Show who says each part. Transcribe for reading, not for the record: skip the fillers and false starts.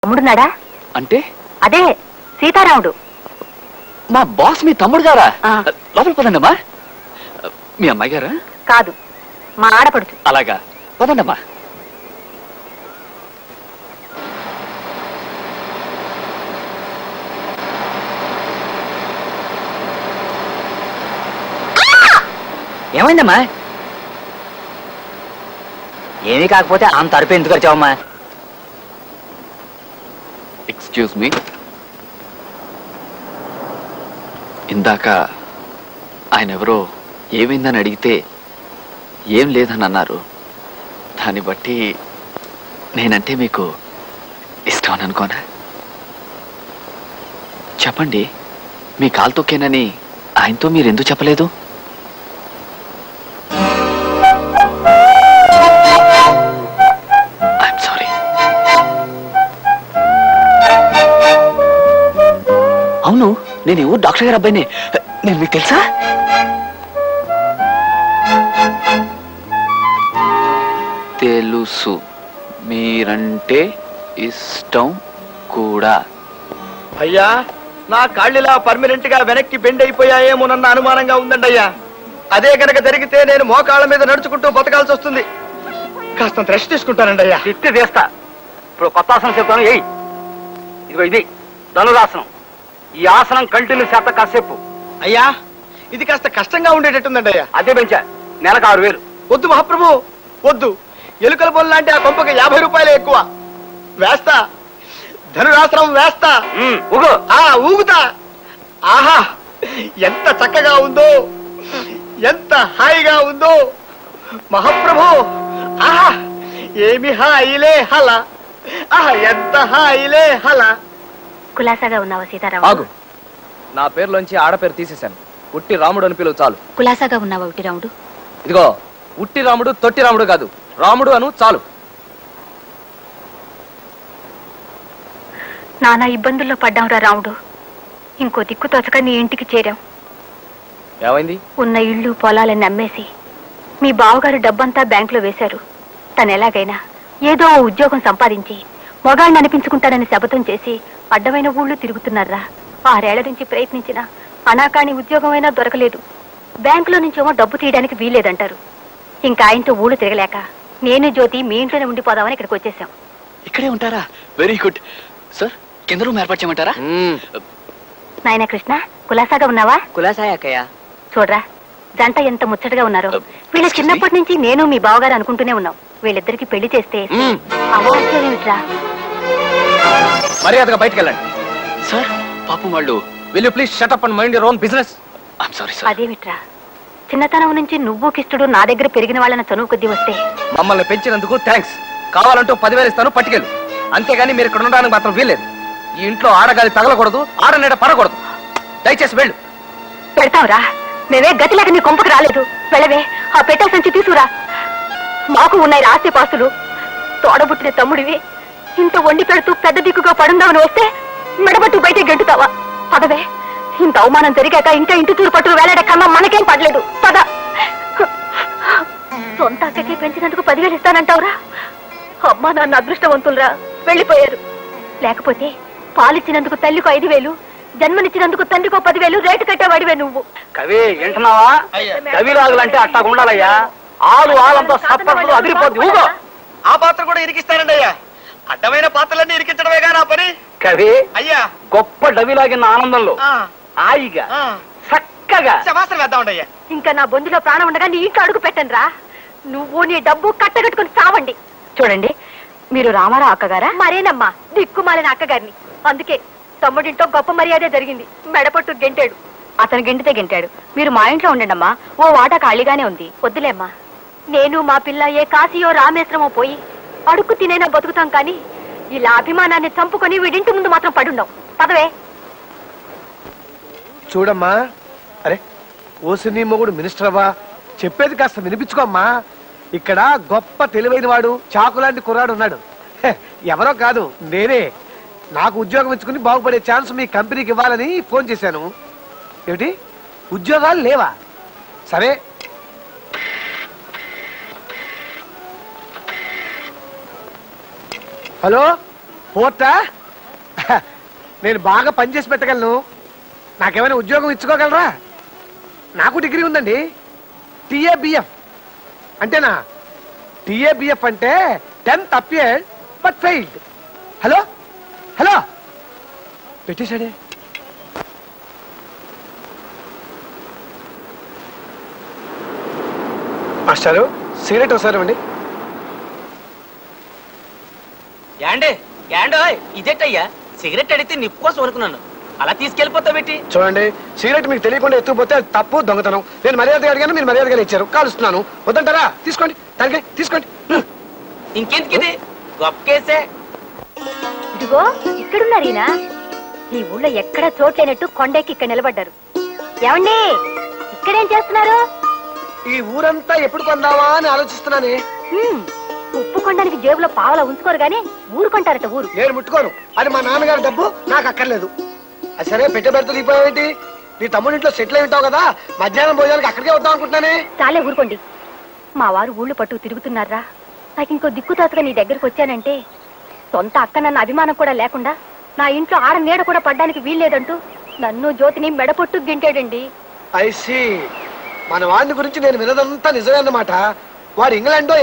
Speaker 1: తమ్ముడున్నాడా?
Speaker 2: అంటే
Speaker 1: అదే సీతారాముడు.
Speaker 2: మా బాస్ మీ తమ్ముడు గారా? లోపల పదండమ్మా. మీ అమ్మాయి గారా?
Speaker 1: కాదు, మా ఆడపడుచు.
Speaker 2: అలాగా, పదండమ్మా.
Speaker 3: ఏమైందమ్మా? ఏమీ కాకపోతే అంత అరుపు ఎందుకు వచ్చావమ్మా?
Speaker 2: ఎక్స్క్యూజ్ మీ, ఇందాక ఆయన ఎవరో ఏమైందని అడిగితే ఏం లేదని అన్నారు. దాన్ని బట్టి నేనంటే మీకు ఇష్టం అని అనుకోనా? చెప్పండి, మీ కాలు తొక్కేనని ఆయనతో మీరు ఎందుకు చెప్పలేదు? I'm sorry. అవును, నేను ఈ ఊరు డాక్టర్ గారు అబ్బాయిని. నేను మీకు తెలుసా? తెలుసు, మీరంటే ఇష్టం కూడా.
Speaker 4: అయ్యా, నా కాళ్ళిలా పర్మనెంట్ గా వెనక్కి బెండ్ అయిపోయాయేమోనన్న అనుమానంగా ఉందండి అయ్యా. అదే కనుక జరిగితే నేను మోకాళ్ళ మీద నడుచుకుంటూ బతకాల్సి వస్తుంది. కాస్త రెస్ట్ తీసుకుంటానండి అయ్యా.
Speaker 3: తిట్టి తీస్తా. ఇప్పుడు కొత్త ఆసనం చెప్తాను. ఇదిగో ఇది ధనురాసనం. ఈ ఆసనం కంటిన్యూ చేత కాసేపు.
Speaker 4: అయ్యా, ఇది కాస్త కష్టంగా ఉండేటట్టుందండి అయ్యా.
Speaker 3: అదే పెంచా, నెలకు 6,000.
Speaker 4: వద్దు మహాప్రభు, వద్దు. ఎలుకల బొల్ లాంటి ఆ కొంపకి 50 రూపాయలే ఎక్కువ. వేస్తా, ధనురాసనం వేస్తా. ఊగుతా. ఆహా, ఎంత చక్కగా ఉందో, ఎంత హాయిగా ఉందో మహాప్రభు. ఆహా, ఏమి హాయిలే హల. ఆహా, ఎంత హాయిలే హల.
Speaker 1: కులాసాగా ఉన్నావా సీతారాముడు?
Speaker 5: ఆగు, నా పేరులోంచి ఆడపేరు తీసేశాను. ఉట్టి రాముడు అని పిలువు చాలు.
Speaker 1: కులాసాగా ఉన్నావా ఉట్టి రాముడు?
Speaker 5: ఇదిగో, ఉట్టి రాముడు తొట్టి రాముడు కాదు, రాముడు అను చాలు.
Speaker 1: నానా ఇబ్బందుల్లో పడ్డాంరా రాముడు. ఇంకో దిక్కు తోచక నీ ఇంటికి చేరాం.
Speaker 5: ఏమైంది?
Speaker 1: ఉన్న ఇళ్ళు పొలాలని అమ్మేసి మీ బావగారు డబ్బంతా బ్యాంకులో వేశారు. తను ఎలాగైనా ఏదో ఓ ఉద్యోగం సంపాదించి మొగాళ్ళని అనిపించుకుంటానని శపథం చేసి అడ్డమైన ఊళ్ళు తిరుగుతున్నారా. 6 ఏళ్ల నుంచి ప్రయత్నించినా అనాకాని ఉద్యోగమైనా దొరకలేదు. బ్యాంకులో నుంచేమో డబ్బు తీయడానికి వీల్లేదంటారు. ఇంకా ఆయనతో ఊళ్ళు తిరగలేక నేను జ్యోతి మీ ఇంట్లోనే ఉండిపోదామని ఇక్కడికి వచ్చేసాం.
Speaker 2: ఇక్కడే ఉంటారా? Very good sir. కింద రూమ్ ఏర్పాటు చేయమంటారా?
Speaker 1: నాయనా కృష్ణ, కులాసాగా ఉన్నావా?
Speaker 3: కులాసాయ అక్కయ్య.
Speaker 1: చూడరా, జంట ఎంత ముచ్చటగా ఉన్నారో. వీళ్ళ చిన్నప్పటి నుంచి నేను మీ బావగారు అనుకుంటూనే ఉన్నాం. వీళ్ళిద్దరికి పెళ్లి చేస్తే అవాచ్యమేమిట్రా?
Speaker 5: మర్యాదగా బయటకు వెళ్ళండి.
Speaker 2: సార్, పాపం వాళ్ళు.
Speaker 5: Will you please shut up and mind your own business.
Speaker 2: I'm sorry sir.
Speaker 1: అదేమిట్రా, చిన్నతనం నుంచి నువ్వు కిష్టుడు నా దగ్గర పెరిగిన వాళ్ళని చనువు కొద్దీ వస్తే
Speaker 5: మమ్మల్ని పెంచినందుకు థ్యాంక్స్. కావాలంటూ 10,000 ఇస్తాను, పట్టుకెళ్ళు. అంతేగాని మీరు ఇక్కడ ఉండడానికి మాత్రం వీల్లేదు. ఈ ఇంట్లో ఆడగాలి తగలకూడదు, ఆడనీడ పడకూడదు. దయచేసి వెళ్ళు.
Speaker 1: పెడతావురా, మేమే గతిలేక నీ కొంపకు రాలేదు. వెళ్ళవే, ఆ పెట్టె సంచి తీసుకురా. మాకు ఉన్నాయి ఆస్తి పాస్తులు. తోడబుట్టిన తమ్ముడివి ఇంత వండి పెడుతూ పెద్ద దిక్కుగా పడుందామని వస్తే మెడబట్టు బయట గెంటుతావా? పదవే, ఇంత అవమానం జరిగాక ఇంకా ఇంటి తూరు పట్టు వేలాడే కన్నా మనకేం పడలేదు. పద. సొంత అక్కకి పెంచినందుకు 10,000 ఇస్తానంటావురా? అమ్మా నాన్న అదృష్టవంతులరా, వెళ్ళిపోయారు. లేకపోతే పాలిచ్చినందుకు తల్లికి 5,000, జన్మనిచ్చినందుకు తండ్రికో 10,000 రేటు కట్టేవాడివే నువ్వు.
Speaker 3: కవి వింటున్నావా? కవిలాగులంటే అట్టాగా ఉండాలయ్యా. ఆలంతా సత్పరులు అదిరిపోద్ది. ఊగో.
Speaker 4: ఆ పాత్ర కూడా ఇరికిస్తానండి అయ్యా. అడ్డమైన పాత్రలన్నీ ఇరికించడమేగా నా పని.
Speaker 3: కవి
Speaker 4: అయ్యా,
Speaker 3: గొప్ప డవిలాగిన ఆనందంలో హాయిగా చక్కగా
Speaker 4: శవాసన వేద్దామండి అయ్యా.
Speaker 1: ఇంకా నా బొందులో ప్రాణం ఉండగా నీ ఇంట్లో అడుగు పెట్టండి రా. నువ్వు నీ డబ్బు కట్టగట్టుకుని చావండి. చూడండి, మీరు రామారావు అక్కగారా? మరేనమ్మా, దిక్కుమాలిన అక్కగారిని. అందుకే తమ్ముడింటో గొప్ప మర్యాదే జరిగింది. మెడపట్టు గెంటాడు. అతను గెంటితే గెంటాడు. మీరు మా ఇంట్లో ఉండండమ్మా, ఓ వాటా ఖాళీగానే ఉంది. వద్దులేమ్మా, నేను మా పిల్ల ఏ కాశీయో రామేశ్వరమో పోయి అడుక్కు తినైనా బతుకుతాం. కానీ ఇలా అభిమానాన్ని చంపుకొని వీడింటి ముందు మాత్రం పడుండం. పదవే.
Speaker 6: చూడమ్మా, అరే ఓసిని మొగుడు మినిస్టర్ అవ్వా, చెప్పేది కాస్త వినిపించుకోమ్మా. ఇక్కడ గొప్ప తెలివైన వాడు, చాకులాంటి కుర్రాడు ఉన్నాడు. ఎవరో కాదు, నేనే. నాకు ఉద్యోగం ఇచ్చుకుని బాగుపడే ఛాన్స్ మీ కంపెనీకి ఇవ్వాలని ఫోన్ చేశాను. ఏమిటి, ఉద్యోగాలు లేవా? సరే, హలో పోర్టా నేను బాగా పనిచేసి పెట్టగలను. నాకేమైనా ఉద్యోగం ఇచ్చుకోగలరా? నాకు డిగ్రీ ఉందండి. టీఏబిఎఫ్ అంటేనా? టీఏబిఎఫ్ అంటే 10th appeared but failed. Hello hello పెట్టేశాడే. మాస్టారు సిగరెట్ ఒకసారి ఇవ్వండి.
Speaker 7: యాండే యాండోయ్ ఇదేటయ్యా సిగరెట్ అడిగితే నిప్పు కోసం అనుకున్నాను, అలా తీసుకెళ్ళిపోతావు పెట్టి.
Speaker 6: చూడండి, సిగరెట్ మీకు తెలియకుండా ఎత్తుకుపోతే అది తప్పు, దొంగతనం. నేను మర్యాదగా అడిగాను, మీరు మర్యాదగా ఇచ్చారు. కాలుస్తున్నాను. వద్దంటారా? తీసుకోండి, తనకే తీసుకోండి.
Speaker 7: ఇంకెందుకు ఇది గొప్ప కేసే.
Speaker 1: ఇదిగో ఇక్కడున్నారు ఈయన. ఈ ఊళ్ళో ఎక్కడ చోట్లేనట్టు కొండెక్కి ఇక్కడ నిలబడ్డారు. ఏమండి, ఇక్కడేం చేస్తున్నారు?
Speaker 6: ఈ ఊరంతా ఎప్పుడు కొందావా అని ఆలోచిస్తున్నానే.
Speaker 1: ఉప్పు కొండానికి జేబులో పావలా ఉంచుకోరు గానీ ఊరు కొంటారట. ఊరు
Speaker 6: నేను ముట్టుకోను. అది మా నాన్నగారి డబ్బు, నాకు అక్కర్లేదు. అది సరే, పెట్టె పెడతా దిగిపోయావేంటి? నీ తమ్ముడి ఇంట్లో సెటిల్ అయి ఉంటావు కదా, మధ్యాహ్నం భోజనానికి అక్కడికే వద్దాం అనుకుంటున్నానే.
Speaker 1: చాలే ఊరుకోండి. మా వారు ఊళ్ళు పట్టు తిరుగుతున్నారా? నాకు ఇంకో దిక్కుతాతగా నీ దగ్గరకు వచ్చానంటే సొంత అక్క నన్న అభిమానం కూడా లేకుండా నా ఇంట్లో ఆడ నీడ కూడా పడ్డానికి వీల్లేదంటూ నన్ను జ్యోతిని మెడపొట్టు గింటాడండి.
Speaker 6: ఐసి మన వాడిని గురించి నేను వినదంతా నిజమే అన్నమాట. వాడు ఇంగ్లాండ్